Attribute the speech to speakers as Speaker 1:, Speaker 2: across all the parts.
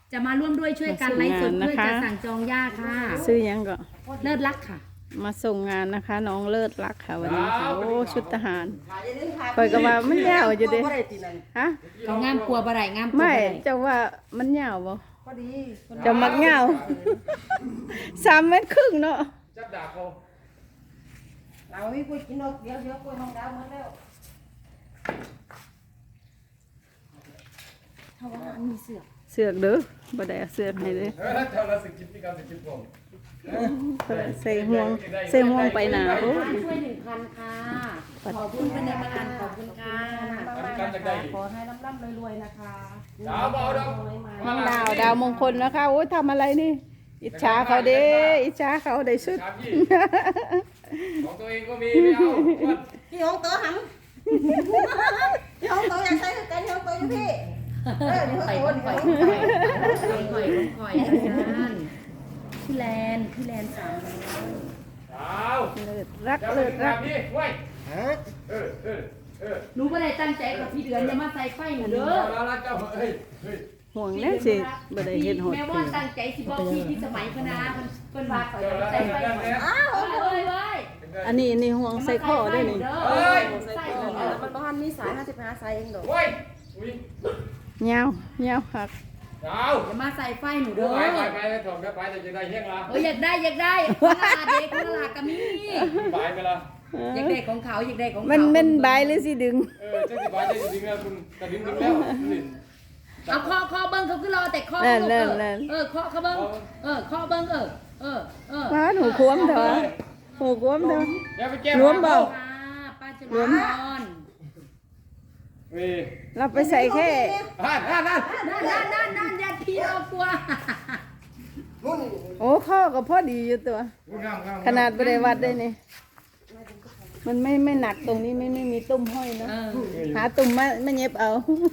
Speaker 1: จะมาร่วมด้วยช่วยกันไลฟ์สดเพื่อจะสั่งจองหญ้าค่ะ
Speaker 2: ซื้อยังก็
Speaker 1: เลิศรักค่ะ
Speaker 2: มาส่งงานนะคะน้องเลิศรักค่ะวันนี้ค่ะโอ้ชุดทหารคอยก็ว่ามันยาวอยู่เด้ฮะ
Speaker 1: เขางามกลัวบ่ได้งามกลัว
Speaker 2: ไม่
Speaker 1: บ่ได้
Speaker 2: เจ้าว่ามันยาวบ่จะมักยาว3 เมตรครึ่งเนาะ
Speaker 3: จับดาบเขา
Speaker 4: เราไม่คุยกินนกเดี๋ยวคุยห้องดาวหมดแล้ว
Speaker 1: เพราะว่ามันมีเสือก
Speaker 2: เด้อบ่ได้เอาเสือกให้เด้อ
Speaker 3: เจ้าละสิกินที่การสิกินผม
Speaker 2: ใส่ห่วงไปหนาโอ้
Speaker 1: ช่วย1,000ค่ะขอบคุณเป็นในมาลันขอบคุณค่ะ
Speaker 4: ขอให้ร่ำรวยๆนะคะ
Speaker 3: ดาวบ่
Speaker 2: ดาวมงคลนะคะโอ้ยทำอะไรนี่อิจฉาเขาเด้อิจฉาเขาได้สุด
Speaker 3: ของตัวเองก็มีไม่เอา
Speaker 4: พี่ห้องโต๊ะหังพี่ห้องโต๊ะอยากใช้กันพี่ห้องโต๊ะอยู่พี่
Speaker 1: ข่อยพี่แลน300
Speaker 2: เลิศรัก
Speaker 3: นี่เว้ย
Speaker 1: รู้ว่าได้ตั้งใจกับพี่เดือนอย่ามาใส่ไฟหนูเด้อ
Speaker 2: ห่วงแน่สิบ่ได้เฮ็ดโหด
Speaker 1: แม่ว่าตั้งใจสิบอกพี่ที่สมัยคณะเพิ่นว่าเขาใส่ไฟหนูเอ้ย
Speaker 2: อันนี้ห่วงใส่ข้อได้นี่
Speaker 4: มันบ้านมีสาย55สายเองดอก
Speaker 2: ยาวคัก
Speaker 1: อย่ามาใส่ไฟหนูเด้อ
Speaker 3: ไปถอดไปแต่จะได้เฮี้ยงละ
Speaker 1: อยากได้คนละเด็กคนละก็มี
Speaker 3: ไปละ
Speaker 1: อยากได้ของเขาอยากได้ของเขา
Speaker 2: มันใบหรือสิดึง
Speaker 3: จะสิบายจะดึงแล้วคุณกระดึงแล้ว
Speaker 1: เอาข้อเบิ้งเขาคือรอแต่ข้อข้อเบิ้งข้อเบิ้ง
Speaker 2: มาหูคว้มเถอะหูคว้มเถอะรวมเปล่า
Speaker 1: ป้าจะรวม
Speaker 2: เราไปใส่แค่
Speaker 1: นั่นยัดพี่เอากลัว
Speaker 2: โอ้ข้อก็พอดีอยู่ตัวขนาดบริวัดได้นี่มันไม่หนักตรงนี้ไม่มีตุ้มห้อยเนาะหาตุ้มมาเย็บเอา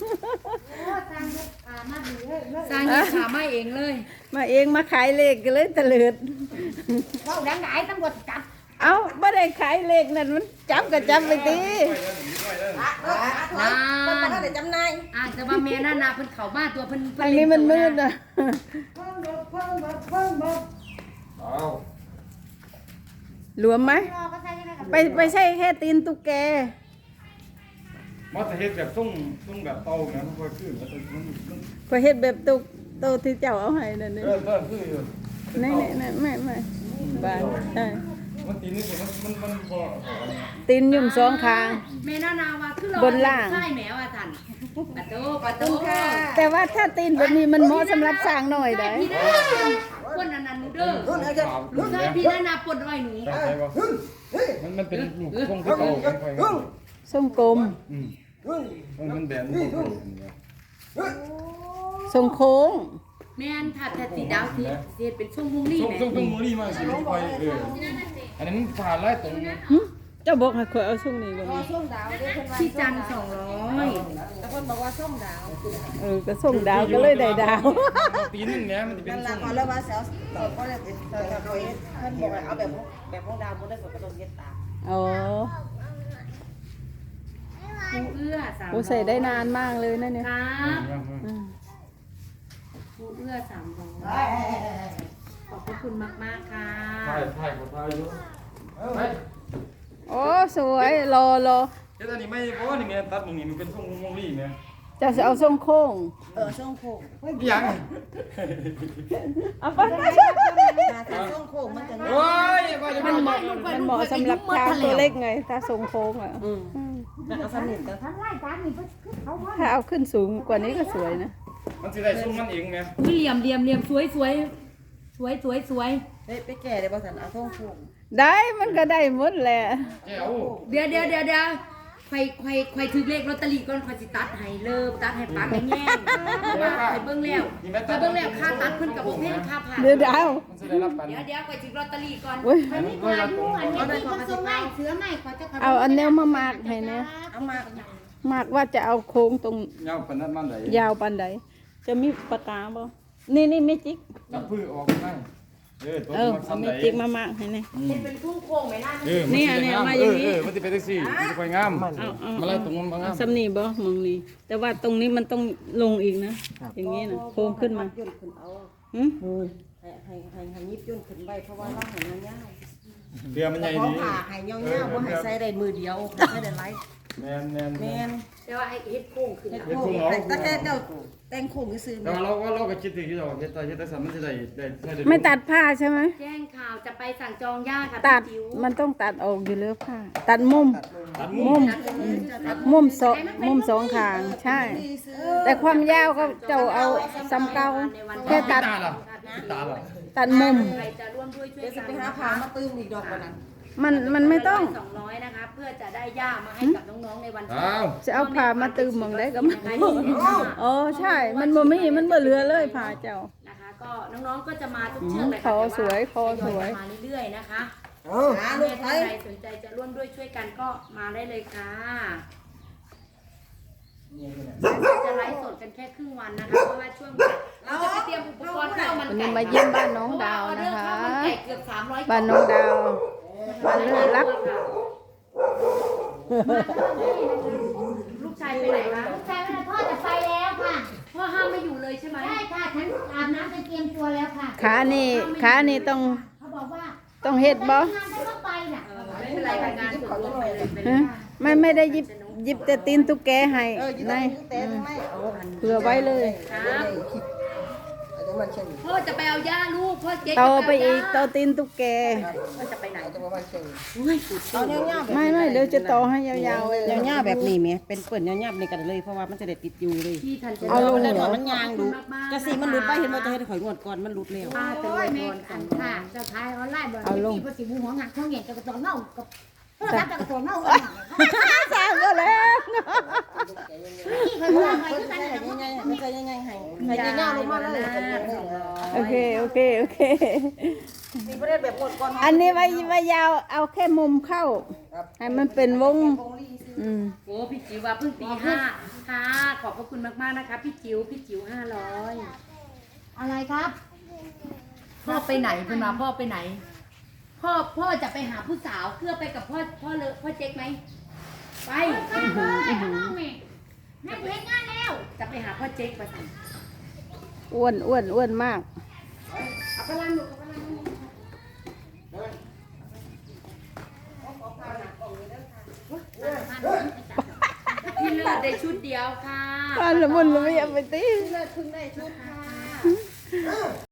Speaker 1: สร้างเย็บขามาเองเลย
Speaker 2: มาเองมาขายเลขกันเลยตะเลิด
Speaker 1: เราดังไหนตำรวจจับ
Speaker 2: เอาไม่ได้ขายเลขนั่นมันจับก็จับไปตี
Speaker 4: มันได้จำนาย
Speaker 1: แต่ว่าแม่น่านาเพิ่นเข่าบ้านตัวเพิ่น
Speaker 2: ทางนี้มันมืดนะรวมไหมไปใช่แค่ตีนตุ๊กแก
Speaker 3: มาแต่เฮ็ดแบบต้องแบบเตานะมันก็คือ
Speaker 2: ก็เฮ็ดแบบตุ๊กโตที่เจ้าเอาให้นั่นนี่
Speaker 3: คือ
Speaker 2: นี่ไม่บ้านใช่
Speaker 3: มันตีนนี่มันพอ
Speaker 2: ตีนยุ่ม2ข้าง
Speaker 1: แม่น่านาว่าคือเรา
Speaker 2: บนล่าง
Speaker 1: ใช่แมวอ่ะท่านปะโต
Speaker 2: ค่ะแต่ว่าถ้าตีนแบบนี้มันเหมาะสำหรับสร้างหน่อยได้
Speaker 1: คนอันนั้นหนูเด้อใช่พี่น่านาปนอ้อยหนู
Speaker 3: มันเป็นทรงที่เก่า
Speaker 2: ทรงกลม
Speaker 3: มันแบบ
Speaker 2: ทรงโค้ง
Speaker 1: แม่นถ้าสีดาวสีเป็นช่วงมุ้งลี่แม่
Speaker 3: ช่วงมุ้งลี่มากสิไปอันนั้นผ่านไล่ตรงนี้
Speaker 2: เจ้าบอกให้ข่อยเอาช่วงนี้บ่มี
Speaker 4: ช่วงดาว
Speaker 1: ที่จัน200
Speaker 4: แต่คนบอกว่าช่วงดาว
Speaker 2: ก็ช่วงดาวก็เลยได้ดาว
Speaker 3: ตีนึงเนี้ยมันจะเป็นช่วง
Speaker 4: นั่นแหละขอเลยว่าเซลล์ก็เลยเป็นเท่าเพิ่นบอกเอาแบบของดาวบ่ได้ก็ต้องเย็บตา
Speaker 2: อ๋อ
Speaker 1: ผู้เอื้อ300
Speaker 2: ผู้ใส่ได้นานมากเลยนะเนี่ย
Speaker 1: ครับผู้เอื้อ300ขอบคุณมากๆค่ะ
Speaker 3: ถ่ายของถ่ายอยู่
Speaker 2: โอ้สวยรอ
Speaker 3: เจ้านี่ไม่เพราะว่านี่ไงตัดตรงนี้มันเป็นช่วงมุ้งลี่ไง
Speaker 2: จะเอาทรงโค้ง
Speaker 4: ช่วงโค้ง
Speaker 3: ยัง
Speaker 2: เอาไป
Speaker 4: ช่วงโค้งมันจะ
Speaker 3: โอ้ย
Speaker 2: มันเหมาะสำหรับช้างตัวเล็กไงถ้าทรงโค้งอ่ะ
Speaker 4: เอาสนิทกัน
Speaker 2: ถ้าเอาขึ้นสูงกว่านี้ก็สวยนะ
Speaker 3: มันสิได้ซุ้มมันเองไง
Speaker 1: เหลี่ยมสวย
Speaker 4: ไปแก่ได้บ่สันเอาช่วงโค้ง
Speaker 2: ได้มันก็ได้หมดแหละ
Speaker 1: เดี๋ยวใครถือเลขลอตเตอรี่ก่อนใครสิตัดให้เลิกตัดให้ปังให้แง่ว่าใครเบิ่งแล้วค่าตัดเพิ่นกับบ่แพงค่าผ่าน
Speaker 2: เดี๋ยว
Speaker 1: ใครถือลอตเตอรี่ก่อน
Speaker 2: อันนี้
Speaker 1: ก็อายุอันนี้ก็ส่งให้เสือให้ขอจะ
Speaker 2: เอาอันแนวมามากให้เนี่ย
Speaker 4: เอา
Speaker 2: มากว่าจะเอาโค้งตรง
Speaker 3: ยาวปานนั้นมันได้
Speaker 2: ยาวปานใดจะมีปากกาบ่นี่ไม่จิก
Speaker 3: จับพื้นออกได้ตัว
Speaker 2: เออ
Speaker 3: มัน
Speaker 2: เอา
Speaker 3: ซ้ำ
Speaker 2: เม
Speaker 3: ไหน
Speaker 2: จิกมามากให้นี่
Speaker 1: เป็นทุ่งโค้งไหมล่ะ
Speaker 2: เนี่ยมาอย่างนี้
Speaker 3: มันจะเป็นจังซี่มันจะไปงาม
Speaker 2: เอา
Speaker 3: มาแล้วตรงนั้นบ่งาม
Speaker 2: สำนีบ่มองนี่แต่ว่าตรงนี้มันต้องลงอีกนะ อย่างนี้นะโค้งขึ้นมา
Speaker 4: ย่นขึ้นเอา
Speaker 2: หึ
Speaker 4: ให้ยิบย่นขึ้นไปเพราะว่าเราเห็นมันยาว
Speaker 3: เรือมันใหญ่
Speaker 4: ขอ
Speaker 3: ดี
Speaker 4: ผ่าให้ยาวๆบ่ให้ใส่ได้มือเดียวใส่ได้หลาย
Speaker 3: แม่น
Speaker 4: แม่น
Speaker 1: แต่ว่าไอ้เฮ็ดโค้งขึ้น
Speaker 4: เฮ็ดโค้งแต่แค่เจ้าแต่งโค้งซื่อๆ
Speaker 3: แต่ว่าเราก็คิดถึงที่เราเฮ็ดแต่สันมันจะได้
Speaker 2: ไม่ตัดผ้าใช่ไหม
Speaker 1: แจ้งข่าวจะไปสั่งจองย่าค่ะ
Speaker 2: ตัด
Speaker 1: พี่จิ๋ว
Speaker 2: มันต้องตัดออกอยู่แล้วผ้าตัดมุม
Speaker 3: ตัด
Speaker 2: มุม
Speaker 1: ตัด
Speaker 2: มุมสองข้างใช่ แต่ความยาวก็เจ้าเอาซ้ำเก่าแค่ตัด
Speaker 3: ตาล่ะตาล่ะ
Speaker 2: ตัดมุม
Speaker 1: ใครจะร่วมด้วยช่วย
Speaker 4: เดี๋ยวสิ
Speaker 1: กัน
Speaker 4: ไปหาผ้ามาตื้มอีกดอกว่านั้น
Speaker 2: มันไม่ต้อง
Speaker 1: 200นะคะเพื่อจะได้ย่ามาให้กับน้องๆในวัน
Speaker 3: อ้าว
Speaker 2: จะเอาผ้ามาตืมมองได้ก็ไม่อ๋อใช่ มันบ่มีมันบ่เหลือเลยผ้าเจ้า
Speaker 1: นะคะก็น้องๆก็จะมาทุกเชือกเลย
Speaker 2: คอสวยคอสวย
Speaker 1: มาเรื่อยๆนะคะ
Speaker 4: หา
Speaker 1: ถ้า
Speaker 4: ลูก
Speaker 1: ใค
Speaker 4: ไป
Speaker 1: รสนใจจะร่วมด้วยช่วยกันก็มาได้เลยค่ะจะไลฟ์สดกันแค่ครึ่งวันนะคะเพราะว่าช่วงเราจะไปเตรียมอุปกรณ์ข้าวมัน
Speaker 2: วัน
Speaker 1: ไก่
Speaker 2: นี้มาเยี่ยมบ้านน้องดาวนะคะ
Speaker 1: เพราว่าออเดอร์ข้าวมันไก่เกือบ300
Speaker 2: บ้านน้องดาวบ้านเลิศรัก
Speaker 1: ลูกชายไปไหนคะ
Speaker 5: ใช่พ่อจะไปแล้วค่ะ
Speaker 1: พ่อห้ามไม่อยู่เลยใช่ไหม
Speaker 5: ใช่ค่ะฉันอาบน้ำจะเตรียมตัวแล้วค่ะ
Speaker 2: ขานี่ต้อง
Speaker 5: เขาบอกว่า
Speaker 2: ต้องเฮ็ดบ่
Speaker 5: งานฉันก็ไปน่ะ
Speaker 1: ไม่เป็นไรค่ะงานส่วนรวมไปเลยไปเล
Speaker 2: ฮะ
Speaker 1: ย
Speaker 2: ไม่ได้หยิบแต่ตีนตุ๊กแกให้
Speaker 4: ยืน
Speaker 2: ใน
Speaker 4: แต่ทำไมเอา
Speaker 2: เผื่อไว้เลย
Speaker 1: ครับ
Speaker 4: อันนี้มันเช่น
Speaker 1: พ่อจะไปเอาย่าลูกพ่อเจ๊
Speaker 2: ต่อไปอีกต่อตีนตุ๊กแก
Speaker 1: พ่อจะไปไหน
Speaker 4: จะว่ามันเช่น
Speaker 1: อุ้ยสุด
Speaker 4: เอาเงี้ยๆแบบ
Speaker 2: ไม่เดี๋ยวจะต่อให้ยาวๆเลย
Speaker 4: เงี้ยๆแบบนี้แม่เป็นเปิ่นเงี้ยๆในกันเลยเพราะว่ามันจะได้ติดอยู่เลย
Speaker 1: พี่ทันจะ
Speaker 2: เอาลง
Speaker 4: แล้ว
Speaker 2: เหรอ
Speaker 4: มันยางดูจะสีมันหลุดไปเห็นว่าจะให้ข่อยงวดก่อนมันหลุดแล้ว
Speaker 1: ป้าจะ
Speaker 5: โอ้
Speaker 1: รวย ย
Speaker 5: แม่
Speaker 1: พร
Speaker 5: อั
Speaker 1: กัน
Speaker 5: นค่ะเจ้าชายออนไลน์บอก
Speaker 2: เอาลง
Speaker 5: ที่ภาษีบูหัวงักเขาเห็นจะกระตัวเน่ากับโทรศัพท์จะกระตัวเน่า
Speaker 2: สามก็แล้ว
Speaker 5: ที่เคยว่าไงที่กัน
Speaker 4: ใส่
Speaker 5: แต่ว่า
Speaker 4: ง่ายๆมันใส่ง่ายๆให้ใส่ง่ายๆลงมาเลย
Speaker 2: โอเค
Speaker 4: มีประเด็นแบบงวดก่อน
Speaker 2: อันนี้ไว้ยาวเอาแค่มุมเข้า ให้มันเป็นวง อืม
Speaker 1: โอ้พี่จิ๋วว่าเพิ่งตี5ค่ะขอบพระคุณมากๆนะคะพี่จิ๋ว500
Speaker 5: อะไรครับ
Speaker 1: พ่อไปไหนเพิ่นมาพ่อไปไหน พ่อจะไปหาผู้สาวเพื่อไปกับพ่อเจ๊กไหมไป
Speaker 5: ไปข้างนอกแม่นั่นเห็นงานแล้ว
Speaker 1: จะไปหาพ่อเจ๊กไปสั่ง
Speaker 2: อ้วนมาก
Speaker 1: เอาไปล้างหนูเอาไปล้างหนูพี่เลิศได้ชุดเดียวค่ะ
Speaker 2: บ้านละมุนละไม่เอาไปตี
Speaker 4: เลิศพึ่งได้ชุดค่ะ